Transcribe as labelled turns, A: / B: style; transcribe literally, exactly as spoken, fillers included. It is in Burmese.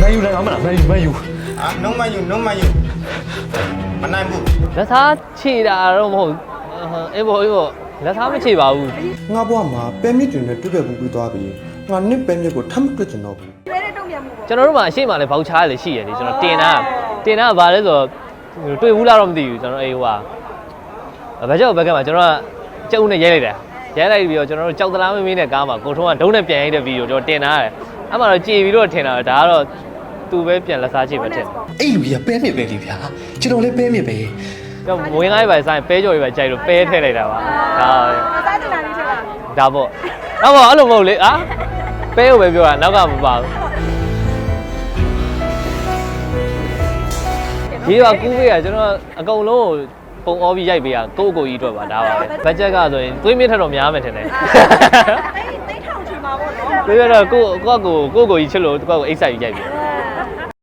A: Man U လည်းကောင်းမလား Man U Man U
B: အာ no man you no man you မနိုင်ဘူး
C: လက်သားခြေတာတော့မဟုတ်အေးဘောအေးဘောလက်သားမခြေပါဘူး
D: ငါဘွားမှာပဲမြစ်တွေနဲ့တွေ့တဲ့ဘူးပြီးသွားပြီငါနစ်ပဲမြစ်ကိုထပ်မတွေ့ကျင်တော့ဘူး
C: ကျွန်တော်တို့မှာအရှိမလည်းဘောက်ချားလည်းရှိရတယ်ကျွန်တော်တင်တာတင်တာကဘာလဲဆိုတော့တွေ့ဘူးလားတော့မသိဘူးကျွန်တော်အေးဟိုဟာဘယ်ကြောက်ဘက်ကမှာကျွန်တော်ကကြုံနဲ့ရဲလိုက်တယ်ရဲလိုက်ပြီးတော့ကျွန်တော်တို့ကြောက်သလားမင်းမင်းနဲ့ကားမှာကိုထုံးကဒုံးနဲ့ပြန်ရိုက်တဲ့ဗီဒီယိုကျွန်တော်တင်တာရတယ်အဲ့မှာတော့ကြည်ပြီးတော့ထင်တာဒါကတော့သူပဲပြန်လက်စားချိပဲထင်
A: အဲ့လူကြီးကပဲမြစ်ပဲလေဗျာကျွန်တော်လည်းပဲမြစ်ပဲ
C: ကျွန်တော်ဝင်ကားရေးပဲဆိုင်ပဲကြော်ရေးပဲကြိုက်လို့ပဲထည့်လိုက်တာပါဒါစားတင်တာလေးချက်ပါဒါပေါ့တော့ပေါ့အဲ့လိုမဟုတ်လေအာပဲကိုပဲပြောတာနောက်ကမပါဘူးဒီကကူးပေးရကျွန်တော်အကုန်လုံးကိုပုံအောပြီးရိုက်ပေးရကိုယ့်ကိုယ်ကြီးအတွက်ပါဒါပါပဲဘတ်ဂျက်ကဆိုရင်သွေးမြင့်ထက်တော့များမယ်ထင်တယ်သိထောင်ချင်ပါပေါ့နော်ပြီးတော့ကိုကိုကိုကိုကိုကြီးချစ်လို့ကိုကိုအိတ်ဆိုင်ရိုက်ပေး